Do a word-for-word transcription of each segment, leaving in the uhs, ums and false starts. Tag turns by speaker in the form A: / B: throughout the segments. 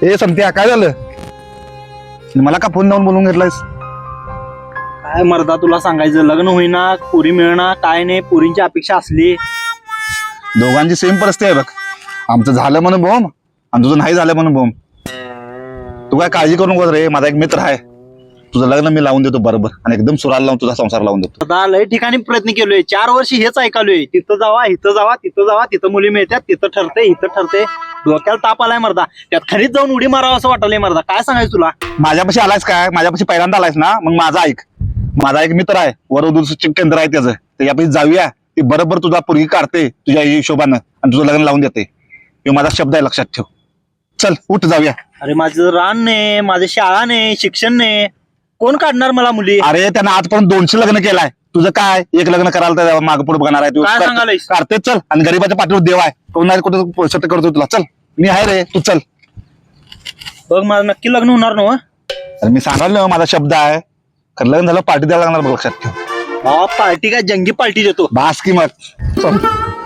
A: ए संत्या, काय झालं? मला का फोन लावून बोलून घेतलायस?
B: काय मर्दा तुला सांगायचं, लग्न होईना, पुरी मिळणार काय नाही, पुरींची अपेक्षा असली.
A: दोघांची सेम परिस्थिती आहे बघ. आमचं झालं म्हणून बोम आणि तुझं नाही झालं म्हणून बोम. तू काय काळजी करू नको रे, माझा एक मित्र आहे, तुझं लग्न मी लावून देतो बरोबर आणि एकदम सुराला लावून तुझा संसार लावून देतो.
B: आता लय ठिकाणी प्रयत्न केलोय, चार वर्ष हेच ऐकालोय, तिथं जावा इथं जावा तिथं जावा, तिथं मुली मिळतात, तिथं ठरते इथं ठरते. डोक्याला ताप आलाय मर्दा, त्यात खरीच जाऊन उडी मारावं असं वाटलंय मर्दा. काय सांगायचं तुला?
A: माझ्यापाशी आलायस काय? माझ्यापाशी पहिल्यांदा आलायस ना, मग माझा ऐक. माझा एक मित्र आहे, वरवधूचं केंद्र आहे त्याचं, त्याच्यापाशी जाऊया. ती बरोबर तुझा पोरगी काढते तुझ्या हिशोबानं आणि तुझं लग्न लावून देते. हे माझा शब्द आहे, लक्षात ठेव. चल उठ जाऊया.
B: अरे माझं रान नाही, माझं शाळा नाही, शिक्षण नाही, कोण काढणार मला मुली?
A: अरे त्यानं आजपर्यंत दोनशे लग्न केलाय, तुझं काय एक लग्न करायला तर मागे पुढे बघणार आहे तू?
B: काय सांगायलायस?
A: काढते चल, आणि गरीबाच्या पाठीवर देव आहे, कोण नाही कुठं सत्य करतो तुला. चल मी आहे रे, तू चल.
B: बघ माझं नक्की लग्न होणार ना?
A: अरे मी सांगाल माझा शब्द आहे, खरं लग्न झालं पार्टी द्यायला लागणार बघ, लक्षात ठेव.
B: हा पार्टी काय जंगी पार्टी देतो.
A: बास की मग. चल.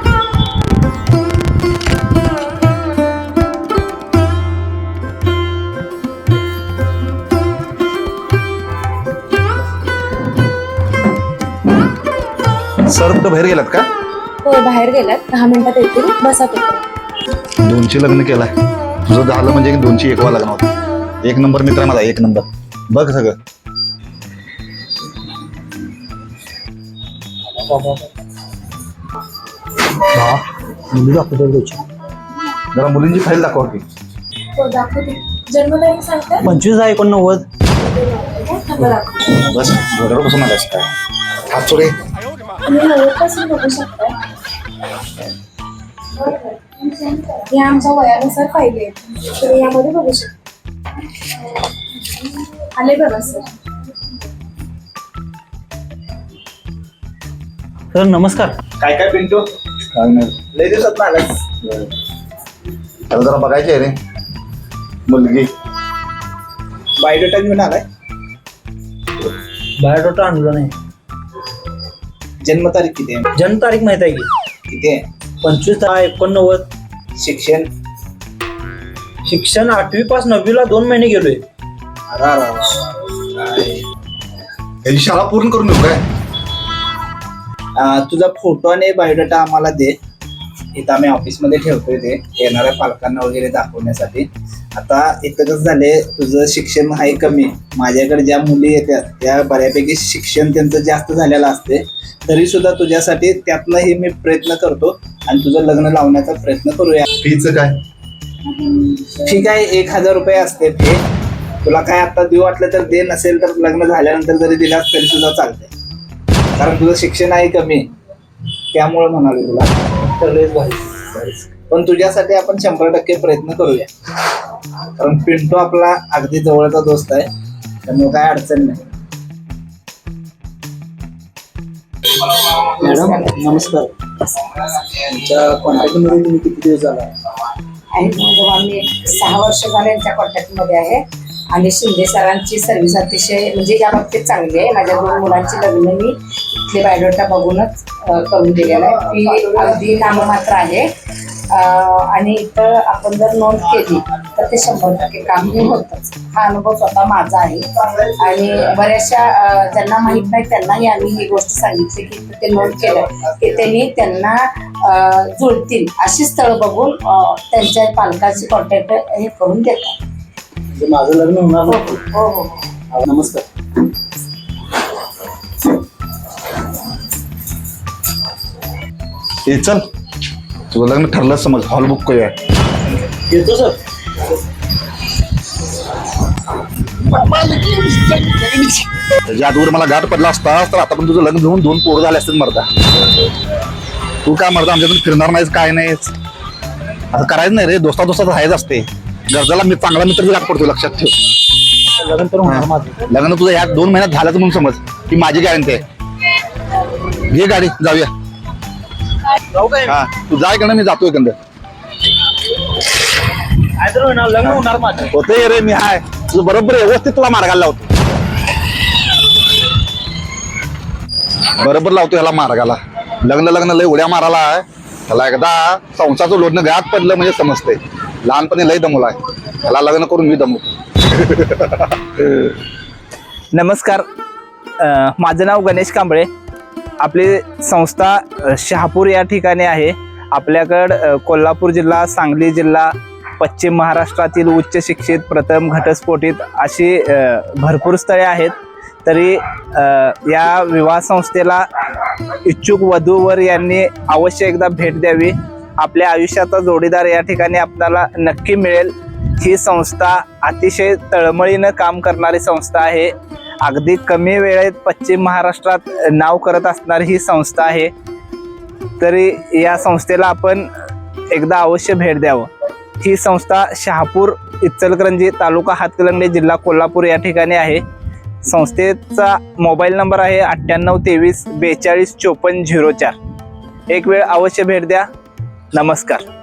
A: सर कुठं बाहेर गेलात का?
C: हो बाहेर गेलात, दहा मिनिटात येतील, बसा तिथे.
A: दोनशे लग्न केलाय, तुझं झालं म्हणजे दोनशे एकवा लग्न होतं. एक नंबर मित्र माझा, एक नंबर. बघ सगळं. जरा मुलींची फाईल दाखवा की.
C: हो दाखवते. जन्मतारीख सांगता?
B: पंचवीस आहे एकोणनव्वद.
C: थांबा दाखवते.
A: बस घोड्यावर बसून आलास काय? हात सोडे.
C: तुम्ही नव्वदपासून बघू शकता. या आमच्या वयानुसार पाहिजे, तुम्ही यामध्ये बघू शकता. आले बघा सर.
B: सर नमस्कार.
D: काय काय पिंटू,
A: काय नाही,
D: लय दिवसात आलास.
A: त्याला जरा बघायची आहे रे मुलगी.
D: बायोडेटा घेऊन आलाय.
B: बायोडाटा आणला नाही.
D: जन्मतारीख किती आहे?
B: जन्मतारीख माहित आहे की?
D: किती आहे?
B: पंचवीस दहा एकोणनव्वद.
D: शिक्षण?
B: शिक्षण आठवी पास नववीला दोन महिने गेलोय.
D: अरा रा रा रा. काय?
A: याची शाळा पूर्ण करून देऊ काय?
D: अं, तुझा फोटो आणि बायोडेटा आम्हाला दे, इथं आम्ही ऑफिसमध्ये ठेवतोय ते येणाऱ्या पालकांना वगैरे दाखवण्यासाठी. आता इथं कसं झाले, तुझं शिक्षण आहे कमी, माझ्याकडे ज्या मुली येतात त्या बऱ्यापैकी शिक्षण त्यांचं जास्त झालेलं असते, तरी सुद्धा तुझ्यासाठी त्यातनंही मी प्रयत्न करतो आणि तुझं लग्न लावण्याचा प्रयत्न करूया.
A: फीचं काय?
D: ठीक आहे, एक हजार रुपये असते फी. तुला काय आता देऊ वाटलं तर दे, नसेल तर लग्न झाल्यानंतर जरी दिलास तरी सुद्धा चालतंय, कारण तुझं शिक्षण आहे कमी, त्यामुळे म्हणाले तुला. तर लयच भारी. पण तुझ्यासाठी आपण शंभर टक्के प्रयत्न करूया, कारण पिंटू आपला अगदी जवळचा दोस्त आहे, त्यामुळे काय अडचण नाही. मॅडम नमस्कार. तुमच्या कॉन्टॅक्टमध्ये तुम्ही किती दिवस झाला?
E: आणि जवळ मी सहा वर्ष झाले यांच्या कॉन्टॅक्टमध्ये आहे. आणि शिंदे सरांची सर्व्हिस अतिशय म्हणजे या बाबतीत चांगली आहे. माझ्या दोन मुलांची लग्न मी इथले बायोडेटा बघूनच करून दिलेलं आहे. फी अगदी नाममात्र आहे. आणि इथं आपण जर नोंद केली तर ते शंभर टक्के काम हे होतंच. हा अनुभव स्वतः माझा आहे. आणि बऱ्याचशा ज्यांना माहीत नाही त्यांनाही आम्ही ही गोष्ट सांगितली की ते नोंद केलं की त्यांनी त्यांना जुळतील अशी स्थळं बघून त्यांच्या पालकांची कॉन्टॅक्ट हे करून देतात.
D: म्हणजे माझं लग्न होणार
E: हो
D: नाही?
E: हो हो.
D: नमस्कार.
A: हे चल, तुझं लग्न ठरलं समज, हॉल बुक करूया.
B: येतो सर.
A: त्याच्या आजवर मला गाठ पडला असता तर आता पण तुझं लग्न घेऊन दोन पोरं झाले असतील मर्दा. तू काय मर्दा आमच्यातून फिरणार नाहीस, काय नाहीस, असं करायचं नाही रे. दोस्ता दोस्तात राहायचं असते. गरजाला मी चांगला मित्र बी पडतो, लक्षात ठेव.
B: लग्न तर होणार माझं.
A: लग्न तुझं ह्या दोन महिन्यात झाल्याचं म्हणून समज, ही माझी गॅरंटी आहे. घे गाडी जाऊया.
B: जाऊ काय?
A: हा तू जाय का, मी जातोय कंद.
B: काय तर होणार, लग्न होणार माझं.
A: होते रे, मी हाय तुझं बरोबर व्यवस्थित तुला मार्गाला लावतो, बरोबर लावतो ह्याला मार्गाला. लग्न लग्न लय उड्या मारायला आहे त्याला. एकदा संसाचं लोटणं घात पडलं म्हणजे समजतंय. लहानपणी लय दमला आहे. त्याला लग्न करून मी दमवतो.
F: नमस्कार, अ, माझं नाव गणेश कांबळे. आपली संस्था अ, शहापूर या ठिकाणी आहे. आपल्याकडं अ, कोल्हापूर जिल्हा, सांगली जिल्हा, पश्चिम महाराष्ट्रातील उच्च शिक्षित, प्रथम घटस्फोटित अशी अ, भरपूर स्थळे आहेत. तरी अ, या विवाह संस्थेला इच्छुक वधूवर यांनी अवश्य एकदा भेट द्यावी. आपल्या आयुष्याचा जोडीदार या ठिकाणी आपल्याला नक्की मिळेल. ही संस्था अतिशय तळमळीनं काम करणारी संस्था आहे. अगदी कमी वेळेत पश्चिम महाराष्ट्रात नाव करत असणारी ही संस्था आहे. तरी या संस्थेला आपण एकदा अवश्य भेट द्यावं. ही संस्था शहापूर, इचलकरंजी, तालुका हातकणंगले, जिल्हा कोल्हापूर या ठिकाणी आहे. संस्थेचा मोबाईल नंबर आहे अठ्ठ्याण्णव तेवीस बेचाळीस चोपन्न झिरो चार. एक वेळ अवश्य भेट द्या. नमस्कार.